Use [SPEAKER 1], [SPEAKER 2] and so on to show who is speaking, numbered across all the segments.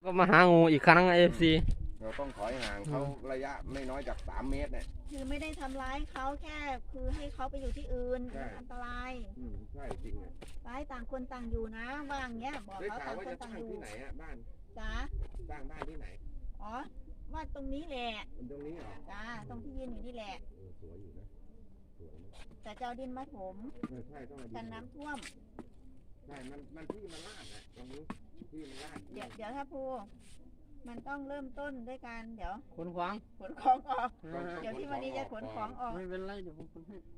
[SPEAKER 1] ก็มาหางูอีกครั้งเอฟซี
[SPEAKER 2] เราต้องถอยห่างเขาระยะไม่น้อยจาก3 เมตรเนี่ย
[SPEAKER 3] คือไม่ได้ทำร้ายเขาแค่คือให้เขาไปอยู่ที่อื่นมันอันตราย
[SPEAKER 2] ใช่จริงอ่ะ
[SPEAKER 3] ไปต่างคนต่างอยู่นะว่างเงี้ยบอกเขาต่างคนต่างอยู่
[SPEAKER 2] ที่ไหนอ่ะบ้าน
[SPEAKER 3] จ้า
[SPEAKER 2] สร้างบ้านที่ไหน
[SPEAKER 3] อ๋อว่าตรงนี้แหละ
[SPEAKER 2] ตรงนี้เหรอ
[SPEAKER 3] จ้าตรงที่ยืนอยู่นี่แหละ
[SPEAKER 2] สวยอยู่นะสวยนะ
[SPEAKER 3] แต่เจ้าดินมาถม
[SPEAKER 2] ใช่ต้อง
[SPEAKER 3] กันน้ำท่วม
[SPEAKER 2] ใช่มันที่มันลาดอ่ะตรงนี้ที่มันลาด
[SPEAKER 3] เดี๋ยวถ้าภูมันต้องเริ่มต้นด้วยการเดี๋ยว
[SPEAKER 1] ขนของ
[SPEAKER 3] ออกเดี๋ยวที่วันนี้จะขนของออก
[SPEAKER 1] ไม่เป็นไรเดี๋ยวผมขนให้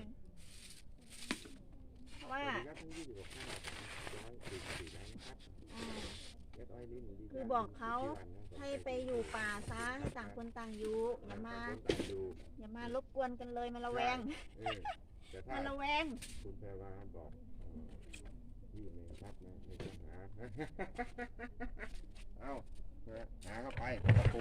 [SPEAKER 3] ว่าคือบอกเขาให้ไปอยู่ป่าซะให้ต่างคนต่างอยู่อย่ามารบกวนกันเลยมาระแวงมาระแวง
[SPEAKER 2] คุณแพรวาบอกพี่ไม่รับนะไม่ต้องหาเอาหาเข้าไปตะปู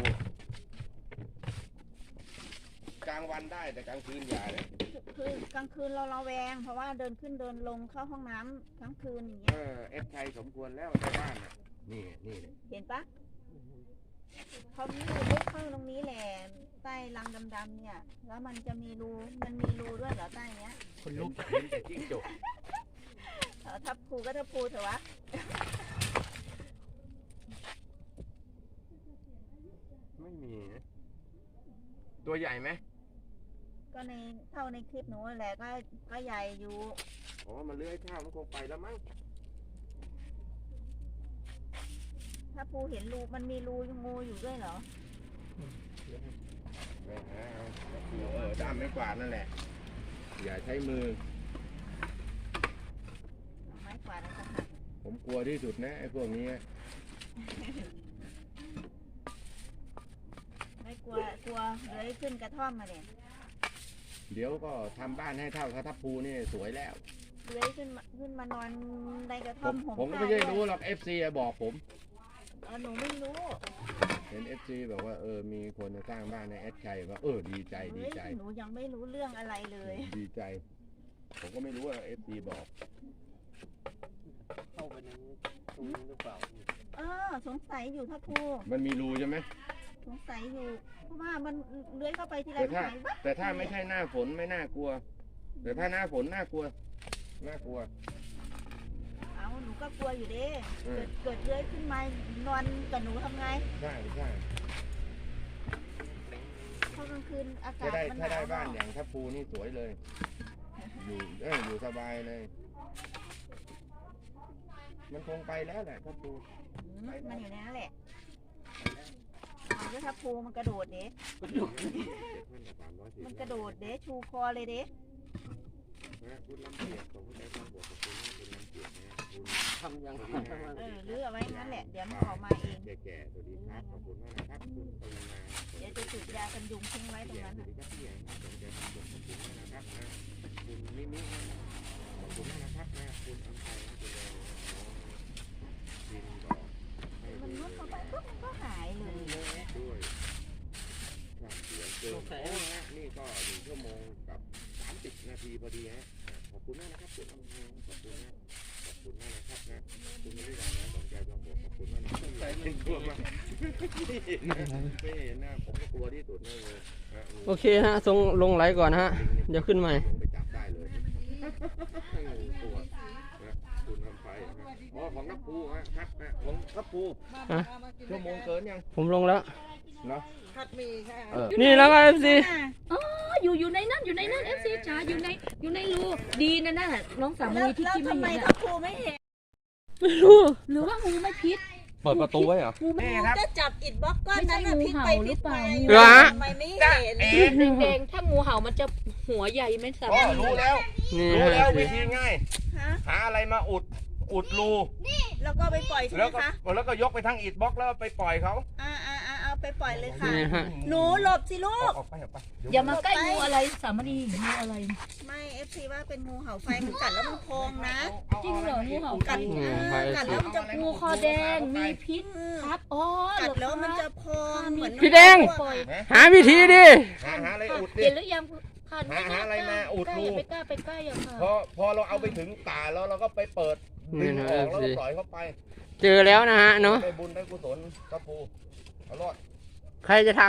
[SPEAKER 2] กลางวันได้แต่กลางคืนอย่าเลย
[SPEAKER 3] คือกลางคืนเราระแวงเพราะว่าเดินขึ้นเดินลงเข้าห้องน้ำทั้งคืนอย่างเงี้ย
[SPEAKER 2] เอฟไทยสมควรแล้วในบ้านน่ะนี่
[SPEAKER 3] เห็นปะเขามีรูลึกเข้าตรงนี้แหละใต้รังดำๆเนี่ยแล้วมันจะมีรูด้วยเหรอใต้เนี้ย
[SPEAKER 2] คนลุกเห็นแต่จิ้งจก
[SPEAKER 3] ทับภูก็ทับภูเถอะวะ
[SPEAKER 2] ไม่มีตัวใหญ่ไหม
[SPEAKER 3] ก็เท่าในคลิปหนูแหละก็ใหญ่อยู่
[SPEAKER 2] อ๋อมันเลื้อยข้าวมันคงไปแล้วมั้ง
[SPEAKER 3] ถ้าภูเห็นรูมันมีรูงูอยู่ด้วยเหรอ
[SPEAKER 2] ด้ามไม่กวาดนั่นแหละอย่าใช้มือ
[SPEAKER 3] ไม้กวาดนะครับ
[SPEAKER 2] ผมกลัวที่สุดนะไอ้พวกนี้
[SPEAKER 3] ไม่กลัวเลยขึ้นกระท่อมมาเนี่ย
[SPEAKER 2] เดี๋ยวก็ทำบ้านให้เท่าทับภูนี่สวยแล้ว
[SPEAKER 3] เลยขึ้นมานอนในกระท่อม
[SPEAKER 2] ผมก็ไม่ได้รู้หรอก FC บอกผม
[SPEAKER 3] หนูไม่รู้
[SPEAKER 2] เห็น FC บอกว่ามีคนจะสร้างบ้านในชัยว่าดีใจ
[SPEAKER 3] หนูยังไม่รู้เรื่องอะไรเลย
[SPEAKER 2] ดีใจผมก็ไม่รู้ว่า FC บอก
[SPEAKER 1] เข้าไปในตรงนี้หรือเปล่า
[SPEAKER 3] สงสัยอยู่ทับภู
[SPEAKER 2] มันมีรูใช่ไหม
[SPEAKER 3] สงสัยอยู่เพราะว่ามันเลื้อยเข้าไปทีไร
[SPEAKER 2] แต่ถ้าไม่ใช่หน้าฝนไม่น่ากลัวแต่ถ้าหน้าฝนน่ากลัว
[SPEAKER 3] หนูก็กลัวอยู่ดิเกิดเลื้อยขึ้นมานอนกับหนูทำไง
[SPEAKER 2] ใช่
[SPEAKER 3] เพราะกลางคืนอากาศมันหนาว
[SPEAKER 2] ถ้าได้บ้านอย่างทับภูนี่สวยเลยอยู่สบายเลยมันคงไปแล้วแหละทับภู
[SPEAKER 3] มันอยู่ในนั้นแหละแล้วทับภูมันกระโดดเด้มันกระโดดเด้ชูคอเลยเด้
[SPEAKER 2] คุณลำเกียรของคุณได้ความบอกกับคุณลำเกียรนะคุณ
[SPEAKER 1] ทำยัง
[SPEAKER 3] หรือเอาไว้งั้นแหละเดี๋ยวมันออกมาเอง
[SPEAKER 2] แก่ๆตัวดีครับขอบคุณมากนะครับคุณปริมา
[SPEAKER 3] เดี๋ยวจะจุดยากันยุงทิ้งไว้ตรงนั้น
[SPEAKER 2] นะขอบคุณมากนะครับคุณมิมิขอบคุณมากนะครับคุณอัมไพคุณดินบอก
[SPEAKER 3] มันมุดเข้าไปปุ๊บมันก็หายเลย
[SPEAKER 2] ด้วยความเสียงเกินนี่ก็1 ชั่วโมงกับ30 นาทีพอดีฮะขอบคุณมากนะครับคุณอัมไพขอบคุณมากนะครับคุณไม่ได้ด่านะสนใจลองบอกขอบคุณมากนะใจเย็นกลัวมากไม่เห็นนะผมก็กลัวที่สุดเลย
[SPEAKER 1] โอเคฮะส่งลงไหลก่อนฮะเดี๋ยวขึ้นใหม่
[SPEAKER 2] ไปจับได้เลยตัวคุณทำไฟของทับภูครับของทับภูชั่วโมงเกินยัง
[SPEAKER 1] ผมลงแล้ว
[SPEAKER 2] เนาะ
[SPEAKER 3] ผัดหมี่ค่ะ
[SPEAKER 1] นี่แล้วก็ FC
[SPEAKER 4] อยู่ในนั้นFC จ๋าอยู่ในรูดีนั่นน่ะน้องสามีที่ไม่เห็น
[SPEAKER 3] ทำไมทับภูไม่เห็น
[SPEAKER 1] ไม่รู้
[SPEAKER 4] หรือว่างูไม่พิษ
[SPEAKER 1] เปิดประตูไว้เหรอ
[SPEAKER 3] จะจับอิฐบล็อกก้อนนั้นพิษไปพิษมาทำไมไม่เ
[SPEAKER 4] ห็นแดงถ้างูเห่ามันจะหัวใหญ่ไม่สามารถ
[SPEAKER 2] รู้แล้ววิธีง่ายหาอะไรมาอุดรู
[SPEAKER 3] แล้วก็ไปปล่อยใช่ไหมคะ
[SPEAKER 2] แล้วก็ยกไปทั้งอิฐบล็อกแล้วไปปล่อยเขา
[SPEAKER 3] เอาไปปล่อยเลยค่ะหนูหลบสิลูก
[SPEAKER 2] ออกไป
[SPEAKER 4] อย่ามาใกล้งูอะไรสามณีงูอะไร
[SPEAKER 3] ไม่FCว่าเป็นงูเห่าไฟมันกัดแล้วมันพองนะ
[SPEAKER 4] จริงเหรองูเห่า
[SPEAKER 3] กัดแล้วมันจะ
[SPEAKER 4] งูคอแดงมีพิษครับ
[SPEAKER 3] กัดแล้วมันจะพองเหมือน
[SPEAKER 1] พี่แดงหาวิธีดิ
[SPEAKER 2] หาอะไรอุดดิ
[SPEAKER 4] เห็นหรือยัง
[SPEAKER 2] หาอะไรมาอุดรู
[SPEAKER 4] ไปกล้าอย่างค่ะ
[SPEAKER 2] พอเราเอาไปถึงตาแล้วเราก็ไปเปิดดึงออกแล้วปล่อยเข้าไป
[SPEAKER 1] เจอแล้วนะฮะเนาะ
[SPEAKER 2] ได้บุญได้กุศลครับปูเอารอด
[SPEAKER 1] ใครจะท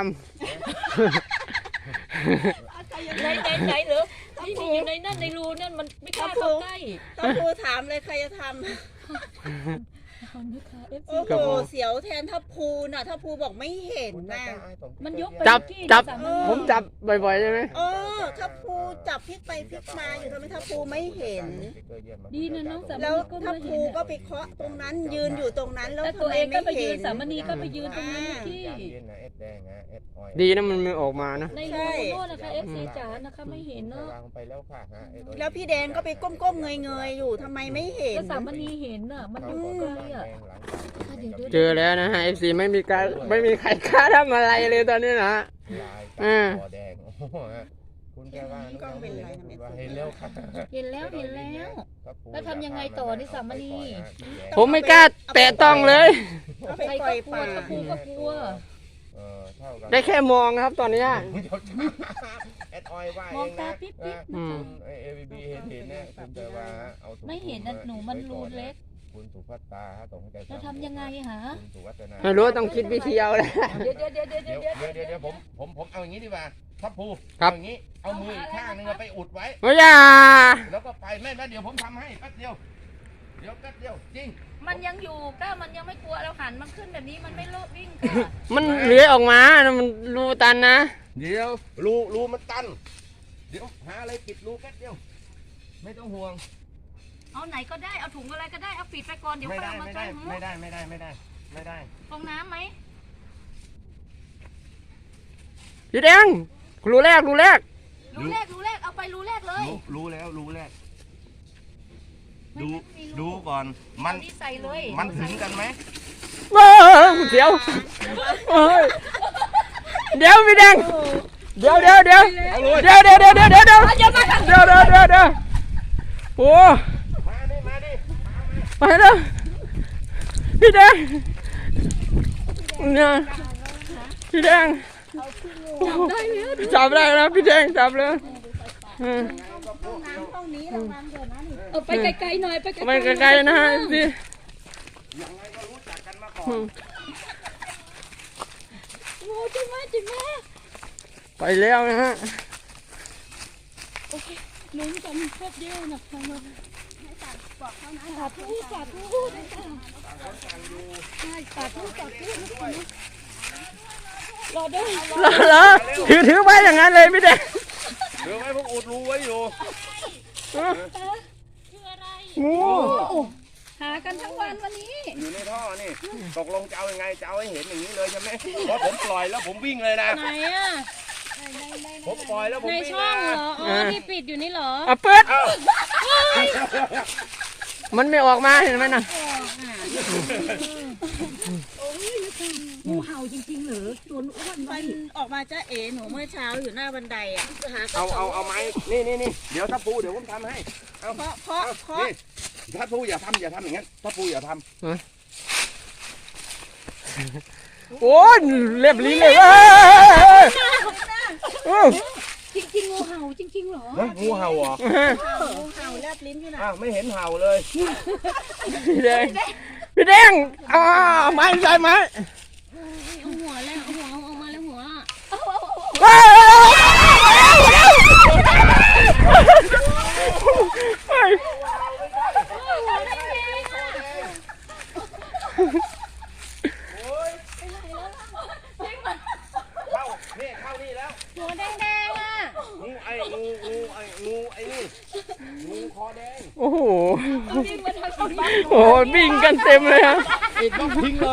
[SPEAKER 4] ไหนหรือที่มีอยู่ในนั่นในรูนั่นมันไม่กล้าเข้าใกล้
[SPEAKER 3] ต้องครูถามเลยใครจะทำ
[SPEAKER 4] ทำนะคะ FC
[SPEAKER 3] โอ้โหเสียวแทนทัพภูน่ะทัพภูบอกไม่เห็นนะ
[SPEAKER 4] มันยกไป
[SPEAKER 1] ำจับ
[SPEAKER 4] ที่
[SPEAKER 1] จับ
[SPEAKER 4] สาม
[SPEAKER 1] ผมจับบ่อยๆใช่ไหม
[SPEAKER 3] เออทัพภูจับพลิกไปพลิกมาอยู่ทำไมทัพภูไม่เห็น
[SPEAKER 4] ดีนะน้องสาม
[SPEAKER 3] แล้ว
[SPEAKER 4] ณีก็
[SPEAKER 3] ทัพ
[SPEAKER 4] ไม่
[SPEAKER 3] ภู
[SPEAKER 4] เห็น
[SPEAKER 3] ก็ไปเคาะตรงนั้นยืนอยู่ตรงนั้นแล้ว
[SPEAKER 4] แล้ว
[SPEAKER 3] ทำ
[SPEAKER 4] ตัว
[SPEAKER 3] ไม
[SPEAKER 4] เองก็
[SPEAKER 3] ไม่
[SPEAKER 4] ไปยื
[SPEAKER 3] เห็
[SPEAKER 4] น
[SPEAKER 3] น
[SPEAKER 4] สามณีก็ไปยืนตรงนั้นที่
[SPEAKER 1] ดีนะมันไม่ออกมานะ
[SPEAKER 4] ในรูโน่นนะคะ FC จ๋านะคะไม่เห็นเนาะ
[SPEAKER 2] วางไปแล้วค่ะฮะไอ้ตัว
[SPEAKER 3] แล้วพี่แดงก็ไปก้มๆเงยๆอยู่ทำไมไม่เห็น
[SPEAKER 4] ก็สามณีเห็นอ่ะมันอยู่ไกลอ่ะ
[SPEAKER 1] เจอแล้วนะฮะ FC ไม่มีใครกล้าทำอะไรเลยตอนนี้นะ
[SPEAKER 2] ลายตาคอแดงโอ้โหฮะคุณแกว่าเห็นแล้วค่ะ
[SPEAKER 4] เห็นแล้วแล้วทำยังไงต่อนี่สามณี
[SPEAKER 1] ผมไม่กล้าแตะต้องเลย
[SPEAKER 3] เอาไป
[SPEAKER 4] ใคร
[SPEAKER 3] ปล่
[SPEAKER 4] ก็
[SPEAKER 3] อย
[SPEAKER 4] กลัว
[SPEAKER 3] ป่า
[SPEAKER 4] ทัพภูก็กลัว
[SPEAKER 2] เท่ากัน
[SPEAKER 1] ได้แค่มองครับตอนเนี้ย
[SPEAKER 2] แอดออยว่าเอ
[SPEAKER 4] มอง
[SPEAKER 2] ง
[SPEAKER 4] ตา
[SPEAKER 2] นะ
[SPEAKER 4] ปิ๊บปิ๊บ
[SPEAKER 1] อืม
[SPEAKER 2] เอวีบีเห็นเนี่ยคุณแกว่าเอา
[SPEAKER 4] ไม่เห็นนะหนูมันรูเล็ก
[SPEAKER 2] คุณสุภัตตาฮะส่งให้แก
[SPEAKER 4] แล้วทำยังไงหา
[SPEAKER 2] คุณสุวัฒนา
[SPEAKER 1] ไม่รู้ต้องคิดวิธีเอาแหละ
[SPEAKER 4] เดี๋ยว
[SPEAKER 2] เดี๋ยวผมเอาอย่างนี้ดีกว่าทัพภู
[SPEAKER 1] ครับ
[SPEAKER 2] เอาอย่างนี้เอามืออีกข้างนึงไปอุดไว้
[SPEAKER 1] ไม่อย่า
[SPEAKER 2] แล้วก็ไปแม่เดี๋ยวผมทำให้แป๊บเดียวแป๊บเดียวจริง
[SPEAKER 4] มันยังอยู่ก็มันยังไม่กลัวเราหันมันขึ้นแบบนี้มันไม่โลภวิ่งค่ะ
[SPEAKER 1] มันเลื้อยออกมานะมันรูตันนะ
[SPEAKER 2] เดี๋ยวรูมันตัน เดี๋ยวหาอะไรปิดรูแป๊บเดียว ไม่ต้องห่วง
[SPEAKER 4] เอาไหนก็ได้เอาถุงอะไรก็ได้เอาปิดไปก่อนเดี๋ยว
[SPEAKER 2] ไม่
[SPEAKER 4] ค่อย
[SPEAKER 2] ได้
[SPEAKER 4] เอามา
[SPEAKER 2] ไม่
[SPEAKER 4] ใส่
[SPEAKER 2] ได้
[SPEAKER 4] หู
[SPEAKER 2] ไม่ได้
[SPEAKER 4] ฟองน้ำไหม
[SPEAKER 1] พี่แดงรูแรก
[SPEAKER 4] รูแรกเอาไปรูแรกเลย
[SPEAKER 2] รู้แล้วรู้แรก
[SPEAKER 4] ไม่
[SPEAKER 2] ดูก่อนมัน
[SPEAKER 4] เอาใส่เลย
[SPEAKER 2] มันถึงกันไหม
[SPEAKER 1] ว้าวเดี๋ยวเฮ้ยเดี๋ยวพี่แดงเดี๋ยวโอ้
[SPEAKER 2] มาดิ
[SPEAKER 1] ไปแล้วพี่แดงเนี่ยพี่แดงจับได้แล้วพี่แดงจับเลย
[SPEAKER 3] ห้องน้ำห้องนี้ระวังเถอะนะนี่
[SPEAKER 4] เอาไปไกลๆหน่อยไป
[SPEAKER 1] ไปไกลๆนะฮะสิ
[SPEAKER 2] ยังไงก็รู้จักกันมาก่อน
[SPEAKER 4] โอ้จิมา
[SPEAKER 1] ไปแล้วนะฮะ
[SPEAKER 4] ลุ้นกันแป๊บเดียวนะคะสาธุได้ค่ะใช่สาธุรอด้วย
[SPEAKER 1] เหรอถือไว้อย่างนั้นเลยพี่แดง
[SPEAKER 2] เดี๋ยวไว้ผมอุดรูไว้อยู่
[SPEAKER 4] คืออะไร
[SPEAKER 1] งู
[SPEAKER 4] หากันทั้งวันวันนี้
[SPEAKER 2] อยู่ในท่อนี่ตกลงจะเอายังไงจะเอาให้เห็นอย่างนี้เลยใช่ไหมเพราะผมปล่อยแล้วผมวิ่งเลยนะ
[SPEAKER 4] ไหนอ่ะ
[SPEAKER 2] ผมปล่อยแล้วผม
[SPEAKER 4] ใน
[SPEAKER 2] วิ่ง
[SPEAKER 4] ช่อง
[SPEAKER 2] นะ
[SPEAKER 4] เหรออ๋อที่ปิดอยู่นี่เหรอ
[SPEAKER 1] เอาเปิด
[SPEAKER 2] เอ้า
[SPEAKER 1] มันไม่ออกมาเห็นไหมน่ะ
[SPEAKER 4] งูเห่าจริงๆหรือตัวอ้วน
[SPEAKER 3] มันออกมาจ้าเอ๋หนูเมื่อเช้าอยู่หน้าบันไดอ่ะหากระ
[SPEAKER 2] เอาไม้นี่เดี๋ยวทัพภูเดี๋ยวผมทำให้เอา
[SPEAKER 3] เพราะ
[SPEAKER 2] นี่ทัพภูอย่าทำอย่างนั้นทัพภูอย่าทำ
[SPEAKER 1] โอ้ยเรียบลิ้นเลย
[SPEAKER 4] จริงๆงูเห่าจริงๆเหรอ
[SPEAKER 2] งูเห่าเหรอ
[SPEAKER 3] งูเห่าแลบลิ้นอยู่นะ
[SPEAKER 2] อ้าวไม่เห็นเห่าเลย
[SPEAKER 1] พี่แดงไม้ใส่ไม้
[SPEAKER 4] เอาหัวแล้วเอาหัวเอาออกมาแล้วหัว
[SPEAKER 2] เข้านี่แล้ว
[SPEAKER 4] หัวแดงๆอ่ะ
[SPEAKER 2] งูไอ้นี่งูคอแดง
[SPEAKER 1] โอ้โห
[SPEAKER 4] วิ่งมาทางเขาบ้าน
[SPEAKER 1] โอ้โหวิ่งกันเต็มเลยฮะ
[SPEAKER 2] อีกต้องทิ้งเลย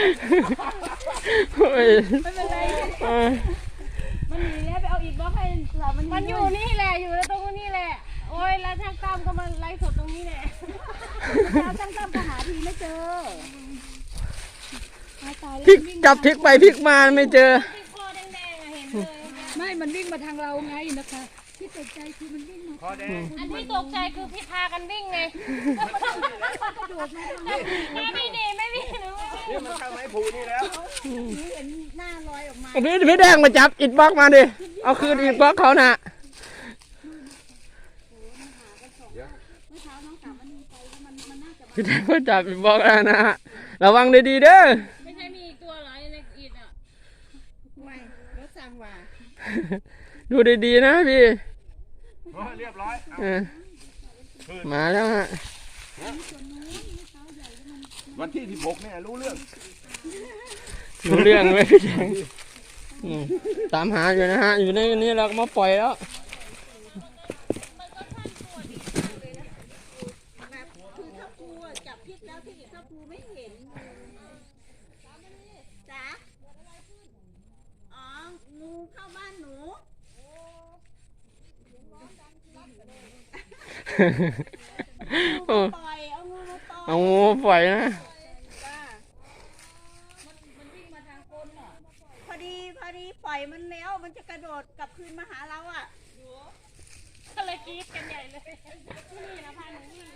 [SPEAKER 4] ไม่เป็นไรมันหนีแล้วไปเอาอีกบล็อกให้สาวมันอยู่นี่แหละอยู่แล้วตรงนี้แหละโอ้ยแล้วช่างตั้มก็มาไล่สดตรงนี้แหละแล้วช่างตั้มก็หาทีไม่เจอ
[SPEAKER 1] พลิกกลับพลิกไปพลิกมาไม่เจอ
[SPEAKER 4] คอแดงๆเห็นเลยไม่มันวิ่งมาทางเราไงนะคะที่ตกใจคือมันวิ่งมา
[SPEAKER 2] คอแดง
[SPEAKER 4] อันที่ตกใจคือพี่พากันวิ่งไงไม่ดีไม่วิ่งหนู
[SPEAKER 2] นี่มันเข้าไม้ผูนี่แล้ว
[SPEAKER 3] เห็นหน้าลอยออกมา
[SPEAKER 1] พี่แดงมาจับอิดบล็อกมาดิเอาคืนอิดบล็อกเขาน่ะ
[SPEAKER 3] เมื่อเช้าน้องสาวมันมีไปแล้วมันน่าจะ
[SPEAKER 1] พี่แดงก็จับอีกบล็อกแล้วนะฮะระวังดีๆเด้อ
[SPEAKER 4] ไม่ใช่มีอีกตัวเหรอในอิฐอ่ะ
[SPEAKER 3] ไม่รถสั่งว่า
[SPEAKER 1] ดูดีๆนะพี่
[SPEAKER 2] เรียบร้อย
[SPEAKER 1] เออมาแล้วฮะ
[SPEAKER 2] วันที่16เนี่ยรู้เรื่อง
[SPEAKER 1] รู้เรื่องเลยพี่แดงตามหาอยู่นะฮะอยู่ในนี้เราก็มาปล่อยแล้ว
[SPEAKER 3] แบบคือถ้าครูอะจับพิษแล้วที่ถ้าครูไม่เห็นจ๋าอ๋องูเข้าบ้านหนู
[SPEAKER 1] โอ้
[SPEAKER 3] ปล่อยเอางูมาปล่อย
[SPEAKER 1] เอางูปล่อยนะ
[SPEAKER 3] จ้ามันวิ่งมาทางก้นเหรอพอดีปล่อยมันแล้วมันจะกระโดดกลับคืนมาหาเราอ่ะ
[SPEAKER 4] ก็เลยกรี๊ดกันใหญ่เลยนี่นะพาหนูวิ่ง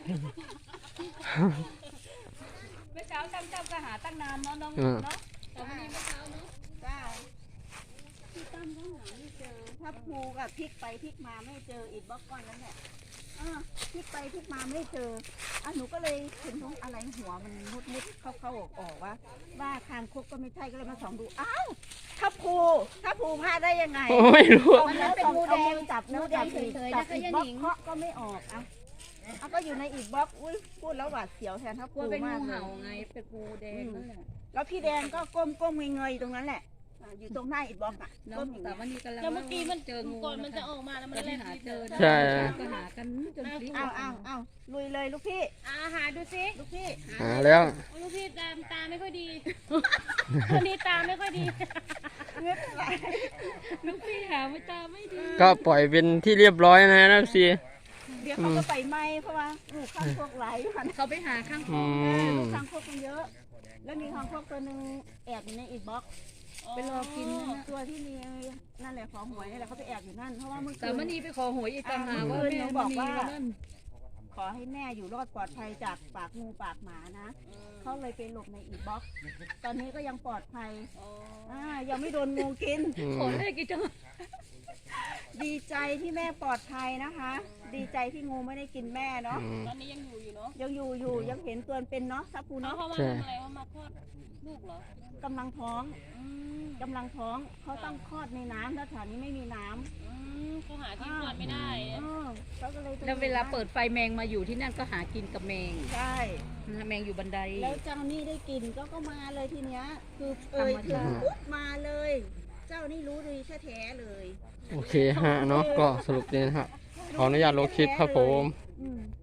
[SPEAKER 4] เมื่อเช้าจำก็หาตั้งนานเนาะน้องเนาะแต่วันนี้เมื่อเช้าเนาะ
[SPEAKER 3] จ้าพี่ตั้มก็หาไม่เจอถ้าภูกับพลิกไปพลิกมาไม่เจออิฐบล็อกก้อนนั้นแหละพลิกไปพลิกมาไม่เจอหนูก็เลยเห็นตรงอะไรหัวมันมุดเข้าออกว่าคางคกก็ไม่ใช่ก็เลยมาส่องดูอ้าวถ้าภูพลาดได้ยังไง
[SPEAKER 1] ไม่รู้
[SPEAKER 3] วันนั้นเป็นงูแดงจับงูแดงเฉยๆนะก็ยังหนิงเคาะก็ไม่ออกเอาก็อยู่ในอีกบล็อกอุ้ยพูดแล้วหวาดเสียวแทนถ้าก
[SPEAKER 4] ลัวเป็น
[SPEAKER 3] มา
[SPEAKER 4] งู
[SPEAKER 3] กเล
[SPEAKER 4] เห่าย ไงเป็นงูแดงนั่นแหละ
[SPEAKER 3] แล้วพี่แดงก็ก้มเงยๆอยู่ตรงนั้นแหละอยู่ตรงหน้าอีกบล็อกก้มอย่าง
[SPEAKER 4] แต่
[SPEAKER 3] นี้
[SPEAKER 4] วันนี้กันแล้วเมื่อกี้มันเจองูก่อนมันจะออกมาแล้วมันเล่นหาเจอ
[SPEAKER 1] ใช่
[SPEAKER 4] ก็หากันจนพลิก
[SPEAKER 3] เอาลุยเลยลูกพี่
[SPEAKER 4] หาดูสิ
[SPEAKER 3] ลูกพี่
[SPEAKER 1] หาแล้ว
[SPEAKER 4] ลูกพี่ตาไม่ค่อยดีคนนี้ตาไม่ค่อยดี
[SPEAKER 3] ไม่เป็นไร
[SPEAKER 4] ลูกพี่หาไม่ตาไม่ดี
[SPEAKER 1] ก็ปล่อยเป็นที่เรียบร้อยนะซี
[SPEAKER 3] เดี๋ยวเขาก็ไปไหมเพราะว่าลูกข้างพวกไหลพัน
[SPEAKER 4] เขาไปหาข้างค
[SPEAKER 1] อื
[SPEAKER 4] อ
[SPEAKER 1] ม
[SPEAKER 3] ลูกข้างพวกมันเยอะ แล้วมีข้างพวกตัวหนึ่งแอบอยู่ในอีกบล็อกไปรอกินตัวที่มีนั่นแหละของหวยนี่แหละเขาไปแอบอยู่นั่นเพราะว่าเมื่อคื
[SPEAKER 4] แต่
[SPEAKER 3] น
[SPEAKER 4] มันนี่ไปขอหวยอีกต่างหากว่าแม่บอกว่านั่น
[SPEAKER 3] ขอให้แม่อยู่รอดปลอดภัยจากปากงูปากหมานะเขาเลยไปหลบในอีกบล็อก ตอนนี้ก็ยังปลอดภัยยังไม่โดนงูกิน
[SPEAKER 4] ขอเลขกี่จัง
[SPEAKER 3] ดีใจที่แม่ปลอดภัยนะคะ ดีใจที่งูไม่ได้กินแม่เนาะ
[SPEAKER 4] ตอนนี้ยังอยู่เนาะ
[SPEAKER 3] ยังอยู่ยังเห็นตัวเป็นเนาะทับพู
[SPEAKER 4] เนาะ
[SPEAKER 3] เนาะ
[SPEAKER 4] เขามาทำอะไรว่ามาคลอดลูกเหรอก
[SPEAKER 3] ำลังท้องเขาต้องคลอดในน้ำแล้วแถวนี้ไม่มีน้ำ
[SPEAKER 4] เขาหาที่คลอดไม่ได้
[SPEAKER 3] เขาก็เลย
[SPEAKER 4] แล้วเวลาเปิดไฟแมงมาอยู่ที่นั่นก็หากินกับแมง
[SPEAKER 3] ใช่
[SPEAKER 4] แมงอยู่บันได
[SPEAKER 3] แล้วเจ้านี่ได้กินก็มาเลยทีเนี้ยคือถึงปุ๊บมาเลย เจ้านี่รู้ดีแท้ๆเลย
[SPEAKER 1] โอเคฮะเนาะก็สรุปนี้นะครับขออนุญาตลงคลิปครับผม